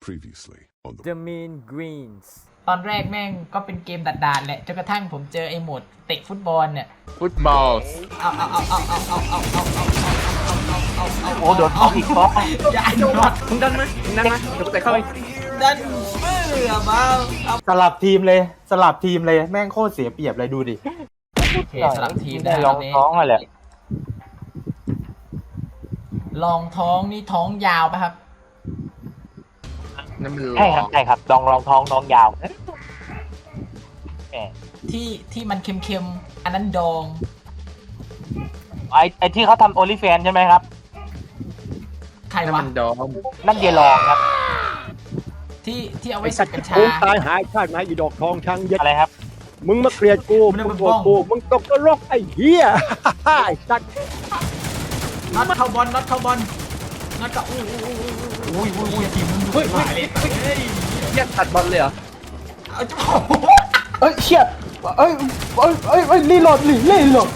Previously on the The Mean Greens ตอนแรกแม่งก็เป็นเกมด่านๆแหละจนกระทั่งผมเจอไอ้โหมดเตะฟุตบอลเนี่ยฟุตบอลโอ้โดนเอาอีกบล็อกอย่าโดนมึงดันมาเดี๋ยวกูเตะเข้าไปดันเบื่อมาเอาสลับทีมเลยแม่งโคตรเสียเปรียบเลยดูดิโอเคสลับทีมได้นะลองท้องมาแหละลองท้องนี่ท้องยาวป่ะครับนั่นมันใช่ครับใช่ครับลองท้องน้องยาวแหมที่มันเค็มๆอันนั้นดองไอที่เขาทำโอลิแฟนใช่ไหมครับใครนั่นวะมันดอมนั่นเยลองครับที่เอาไว้สับกัญชากูตายหายชาติไหนอีดอกทองช้างเย็ดอะไรครับมึงมาเกลียดกูมันมึเป็นงโกรธบ้องกูมึงตกนรกไอ้เหี้ย ไอ้สัตว์น็อตเข้าบอลน็อตเข้าบอลน็อตก็อุ้ยทีมมึงดูหายเลยเฮ้ยเหี้ยตัดบอลเลยเหรอเอาจ้าเอ้ยเชี่ยเอ้ยรีโหลดเริ่ม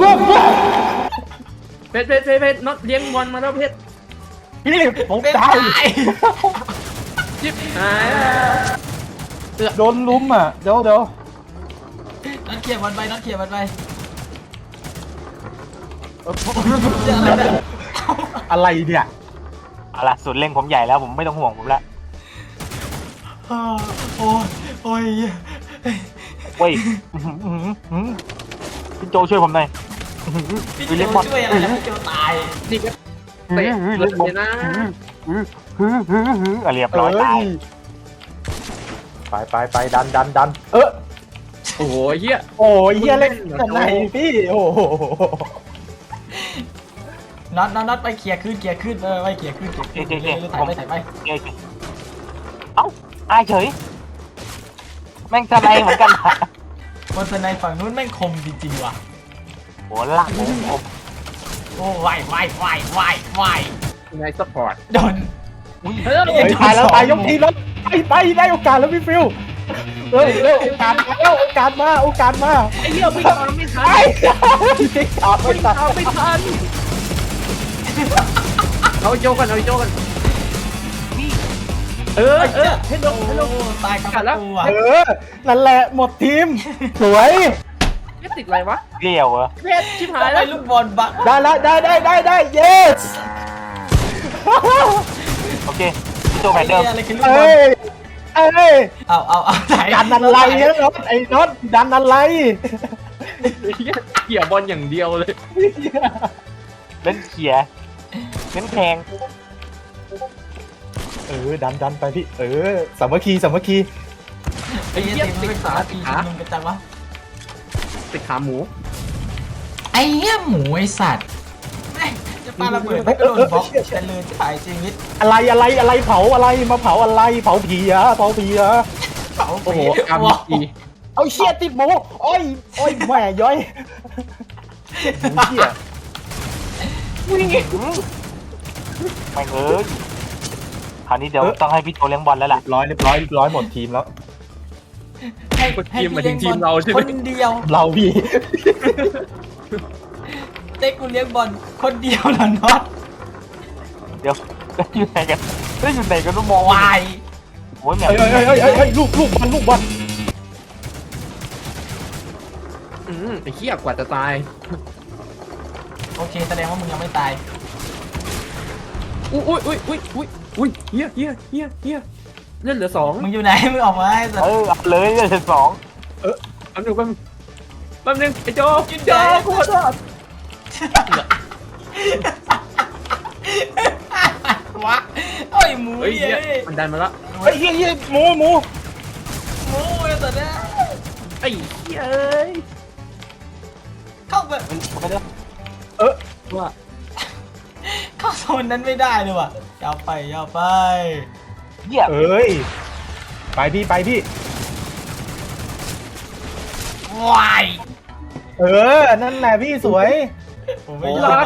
เพชรน็อตเลี้ยงบอลมาแล้วเพชรพี่ผมเป็นตายตายจิ๊บหายโดนลุ้มอ่ะเดี๋ยวน็อตเขี่ยบอลไปน็อตเขี่ยบอลไปเจออะไรเนี่ยอะไรเนี่ยเอาล่ะสุดเล่งผมใหญ่แล้วผมไม่ต้องห่วงผมละโอ้ยเว้ยพี่โจช่วยผมหน่อยพี่โจช่วยอะไรนะพี่โจตายนี่ก็เตะเลยนะเรียบร้อยตายไปดันโอ้โหเหี้ยโอ้ยเหี้ยเล่นกันไหนพี่โอ้โหน็อตไปเขี่ยขึ้นไปเขี่ยขึ้นถ่ายไปเอ้าอายเฉยแม่งทนายเหมือนกันบนสไนฝั่งนู้นแม่งคมจริงๆว่ะโหหลักผมโอ้วายในซัพพอร์ตโดนเฮ้ยเฮ้ยตายแล้วตายยกทีแล้วไปได้โอกาสแล้วพี่ฟิวเฮ้ยเร็วโอกาสมาไอ้เหี้ยไม่ทันไอ้ตอบไม่ตัดไม่ทันเอาโจกันให้ลงตายกับตัวนั่นแหละหมดทีมสวยไม่ติดอะไรวะเลี้ยวเหรอเพชรชิบหายไอ้แล้วลูกบอลบักได้แล้วได้ yes โอเคพี่โจแผนเดิมอะไรคือลูกบอเอ้ลยเอาถ่ายดันอะไรนะน็อตไอ้น็อตดันอะไรเกี่ยวบอลอย่างเดียวเลยเล่นเขี่ยเล่นแทงดันไปพี่สามัคคีไอ้เหี้ยทีมเป็นสาทีมึงกันจังวะติดขาหมูไอ้เหี้ยหมูไอ้สัตว์จะปาระเบิดไม่กระโดดบล็อกแต่เลยถ่ายชีวิตอะไรเผาอะไรมาเผาอะไรเผาผีอะเผาโอ้โหอาร์พีเอาเชี่ยติดหมูโอ้ยแม่ย้อยหมูเชี่ยไม่เอ้ยคราวนี้เดี๋ยวต้องให้พี่โจเลี้ยงบอลแล้วล่ะเรียบร้อยหมดทีมแล้วให้ทีมเราใช่ไหมคนเดียวเราพี่เต้กูเลี้ยงบอลคนเดียวนะน็อตเดี๋ยวอยู่ไหนกันต้องมองวายโอ้ยแม่เฮ้ยลูกบอลไอ้เหี้ยกว่าจะตายโอเคแสดงว่ามึงยังไม่ตายอุ้ยเหี้ยเล่นเหลือ2 มึงอยู่ไหนมึงออกมาไอ้สัตว์เอาเลยเลยสองแป๊บนึงไอ้โจกูขอโทษวะโอ้ยหมูเฮ้ยเย้มันดันมาแล้วเฮ้ยหมูหมูไอ้สัตว์เนี่ยไอ้เหี้ยเอ้ยเข้าไปไม่ได้ว่าเข้าโซนนั้นไม่ได้เลยว่ะยาวไปเหี้ยไปพี่วายนั่นแหละพี่สวยผมไม่ยอม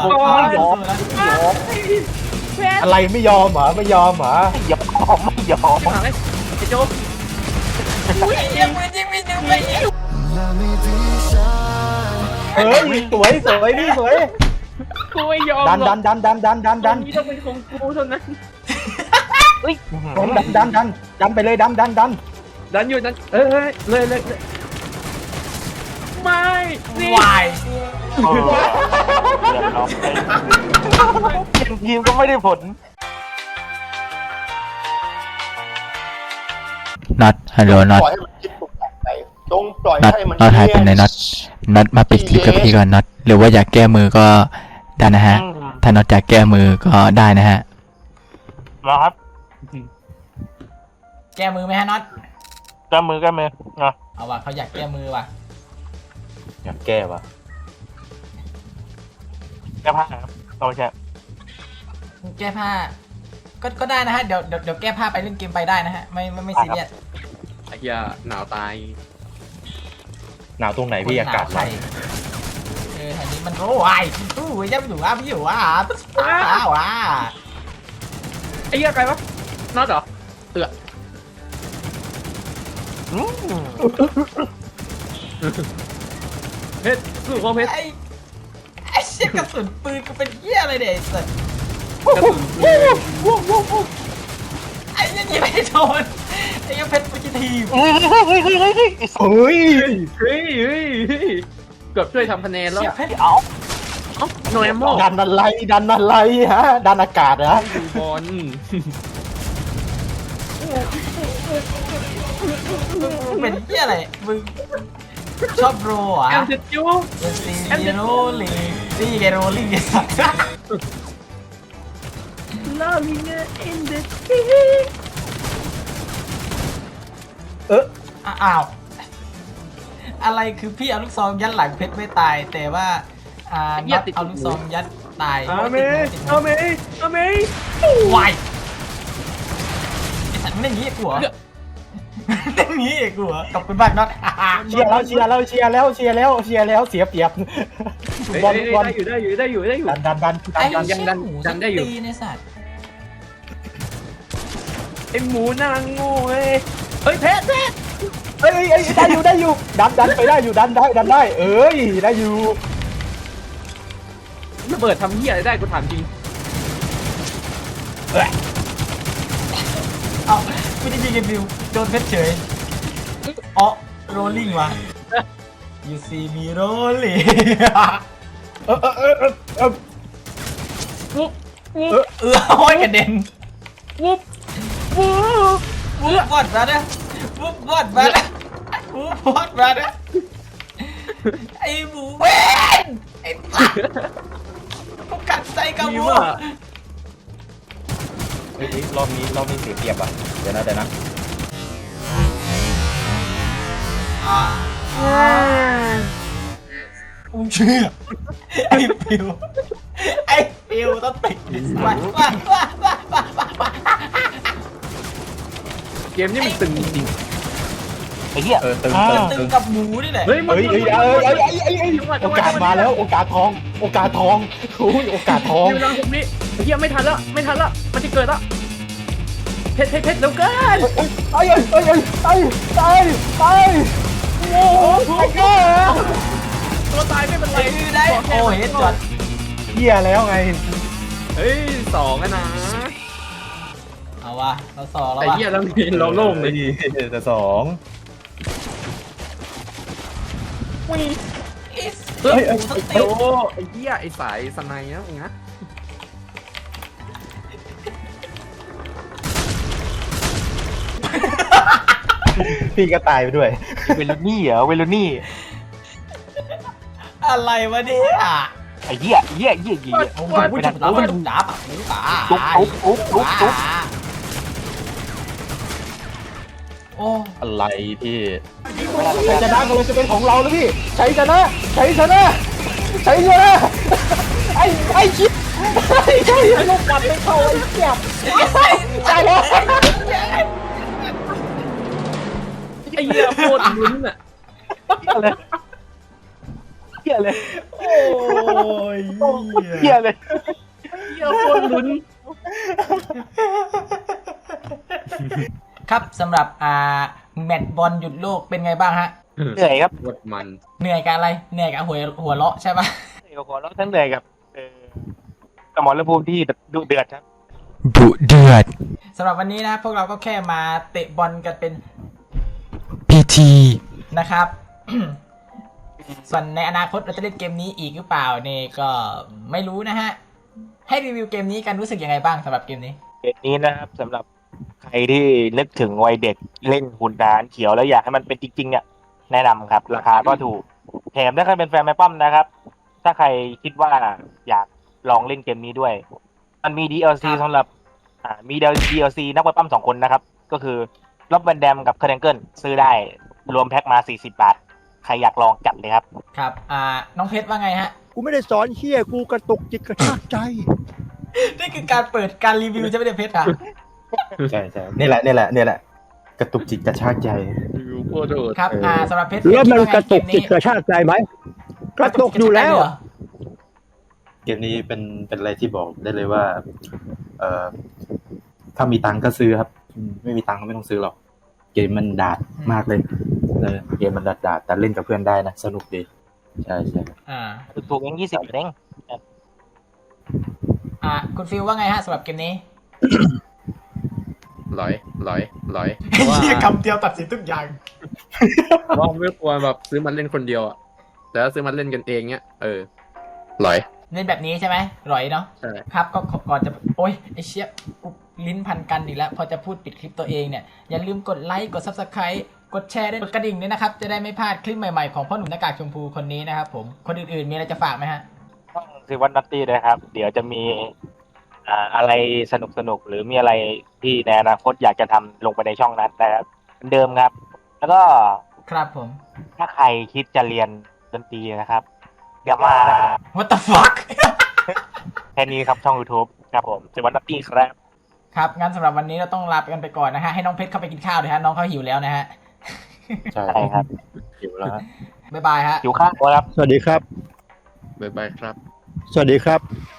แล้วอะไรไม่ยอมเหรอไม่ยอมหาเลยไอ้โจยังไม่จริงไม่จริงไม่จริงสวยพี่สวยกูไม่ยอมดันตรงนี้ต้องเป็นของกูเท่านั้นเฮ้ยดันไปเลยดันดันอยู่ดันเลยไม่นี่วายเรียบร้อยเปลี่ยนทีมก็ไม่ได้ผลน็อตฮัลโหลน็อตปล่อยให้มันคิดปรุงแต่งไปจงปล่อยน็อตให้มันน็อตหายไปไหนน็อตน็อตมาปิดคลิปกับพี่ก่อนน็อตหรือว่าอยากแก้มือก็ได้นะฮะถ้าน็อตอยากแก้มือก็ได้นะฮะรอครับแก้มือไหมฮะน็อตแก้มือเนาะเอาว่ะเขาอยากแก้มือว่ะอยากแก้วะแก้ผ้าครับโอเคแก้ผ้าก็ได้นะฮะเดี๋ยวแก้ผ้าไปเล่นเกมไปได้นะฮะไม่ซีเรียสไอ้เหี้ยหนาวตายหนาวตรงไหนพี่อากาศร้อนแถวนี้มันโอ้ยยังอยู่อ่ะพี่อยู่อ่ะว้าไอ้เหี้ยใครวะน็อตเหรอเพชรสู้ของเพชรไอ้เชี่ยกระสุนปืนกูเป็นเหี้ยอะไรเนี่ยไอ้สัสกระสุนปืนไอ้เนี่ยยิงไม่โดนไอ้ยังเพชรปุจิทีมเฮ้ยเฮ้ยเกือบช่วยทำคะแนนแล้วเชี่ยเพชรเอาโนเอมโมดันอะไรฮะดันอากาศนะบอลเป็นเหี้ยอะไรมึงชอบโรอ่ะแอมเดจูเป็นซีโรลิงนี่ไงโรลิงไอ้สัส Loving it in the อ้าวอะไรคือพี่เอาลูกซองยัดหลังเพชรไม่ตายแต่ว่าน็อตเอาลูกซองยัดตายเอาเมย์วายไอ้สัตว์มึงเล่นงี้กูเหรอเล่นงี้กูเหรอตบเป็นบ้านน็อตเชียร์แล้วเสียเปรียบบอลได้อยู่ดันไอ้เชี่ยหมูสันตีในสัตว์ไอหมูนางโง่เฮ้ยเพชรเอ้ยได้อยู่ดันไปได้อยู่ดันได้เอ้ยได้อยู่ระเบิดทำเหี้ยอะไรได้กูถามจริงเอ้าไม่ได้ยิงกันดิวโดนเพชรเฉยอ๋อโรลลิ่งว่ะ you see me rolling วุบโอ้ยกระเด็นวุบวุบวอดมาเนี่ยวุบวอดมาเนี่ยวุบวอดมาเนี่ยไอ้หมูเว้นไอ้สัสกูกัดใจกับหมูรอบนี้เสียเปรียบอ่ะเดี๋ยวนะกูเชื่อไอ้ปิวต้องติดว้าเกมนี้มันตึงจริงไอ้เหี้ยตึงกับหมูนี่แหละเฮ้ยโอกาสมาแล้วโอกาสทองโอกาสทองโอกาสทองอยู่หลังตรงนี้เฮียไม่ทันแล้วมันจะเกิดแล้วเพชรเร็วเกินตายโอ้โหไอ้เก้าตัวตายไม่เป็นไรได้โอ้เฮ็ดจอดเหี้ยแล้วไงเฮ้ย2นะเอาวะเราสองแล้วไอ้วะเหี้ยเราเราโล่งเลยแต่สองเฮ้ยโอ้ไอ้เหี้ยไอ้สายสไนนะมึงนะพี่ก็ตายไปด้วยเวลูนี่เหรอเวลูนี่อะไรวะเนี่ยไอ้เหี้ยโอ้โหจุดแล้วจุดดับตุ๊บโอ้อะไรพี่ชัยชนะกำลังจะเป็นของเราแล้วพี่ชัยชนะไอ้ชิบใช่ลูกกลับไปเข้าไอ้เจี๊ยบตายแล้วไอ้เหี้ยโคตรลุ้นอ่ะเหี้ยเลยโอ้ยเหี้ยเลยเหี้ยโคตรลุ้นครับสำหรับแมตช์บอลหยุดโลกเป็นไงบ้างฮะเหนื่อยครับหมดมันเหนื่อยกับอะไรเหนื่อยกับหัวเราะใช่ปะเหนื่อยกับหัวเราะทั้งเหนื่อยกับสมรภูมิที่ดุเดือดครับสสำหรับวันนี้นะพวกเราก็แค่มาเตะบอลกันเป็น PT นะครับ ส่วนในอนาคตเราจะเล่นเกมนี้อีกหรือเปล่าเนี่ยก็ไม่รู้นะฮะ ให้รีวิวเกมนี้กันรู้สึกยังไงบ้างสำหรับเกมนี้เกมนี้นะครับสำหรับใครที่นึกถึงวัยเด็กเล่นหุ่นทหารเขียวแล้วอยากให้มันเป็นจริงๆเนี่ยแนะนำครับ ราคาก็ถูกแถมถ้าใครเป็นแฟนแม่ป้อมนะครับ ถ้าใครคิดว่าอยากลองเล่นเกมนี้ด้วย มันมี DLC ครับสำหรับมี DLC นักมวยปั้ม2 คนนะครับ ก็คือล็อบแวนแดมกับเคอร์เดนเกิลซื้อได้รวมแพ็คมา40 บาท ใครอยากลองจัดเลยครับครับน้องเพชรว่าไงฮะกูไม่ได้สอนเฮียกูกระตุกจิตกระชากใจนี่คือการเปิดการรีวิวใช่ไหมเนี่ยเพชรอ่ะใช่นี่แหละกระตุกจิตกระชากใจวิวโคตรโหดครับสำหรับเพชรแล้วมันคิดว่าไงกระตุกจิตกระชากใจไหมกระตุกอยู่แล้วเกมนี้เป็นอะไรที่บอกได้เลยว่าถ้ามีตังค์ก็ซื้อครับไม่มีตังค์ก็ไม่ต้องซื้อหรอกเกมมันดาดมากเลยเกมมันดาดแต่เล่นกับเพื่อนได้นะสนุกดีใช่ถูกๆเอง20เองคุณฟิลว่าไงฮะสำหรับเกมนี้หลอยเพราะว่าเหี้ยคำเดียวตัดสินทุกอย่างว่าไม่ควรแบบซื้อมันเล่นคนเดียวอ่ะแต่ถ้าซื้อมันเล่นกันเองเนี้ยหลอยเล่นแบบนี้ใช่ไหมร่อยเนาะใช่ครับก็ก่อนจะโอ๊ยไอเชี่ยกูลิ้นพันกันอีกแล้ว พอจะพูดปิดคลิปตัวเองเนี่ย อย่าลืมกดไลค์กด Subscribe กดแชร์ด้วยกดกระดิ่งด้วยนะครับ จะได้ไม่พลาดคลิปใหม่ๆของพ่อหนุ่มหน้ากากชมพูคนนี้นะครับผมคนอื่นๆมีอะไรจะฝากไหมฮะต้องซื้อวัดนัตตี้นะครับ เดี๋ยวจะมีอะไรสนุกๆหรือมีอะไรที่ในอนาคตอยากจะทำลงไปในช่องนั้นนะครับเหมือนเดิมครับ แล้วก็ครับผมถ้าใครคิดจะเรียนดนตรีนะครับอย่ามานะครับ What the fuck แค่นี้ครับช่อง YouTube ครับผมซื้อวัดนัตตี้ครับครับงั้นสำหรับวันนี้เราต้องลาไปกันไปก่อนนะฮะให้น้องเพชรเข้าไปกินข้าวเลยฮะน้องเขาหิวแล้วนะฮะใช่ใช่ครับหิวแล้วบ๊ายบายฮะอยู่ข้างครับสวัสดีครับบ๊ายบายครับสวัสดีครับ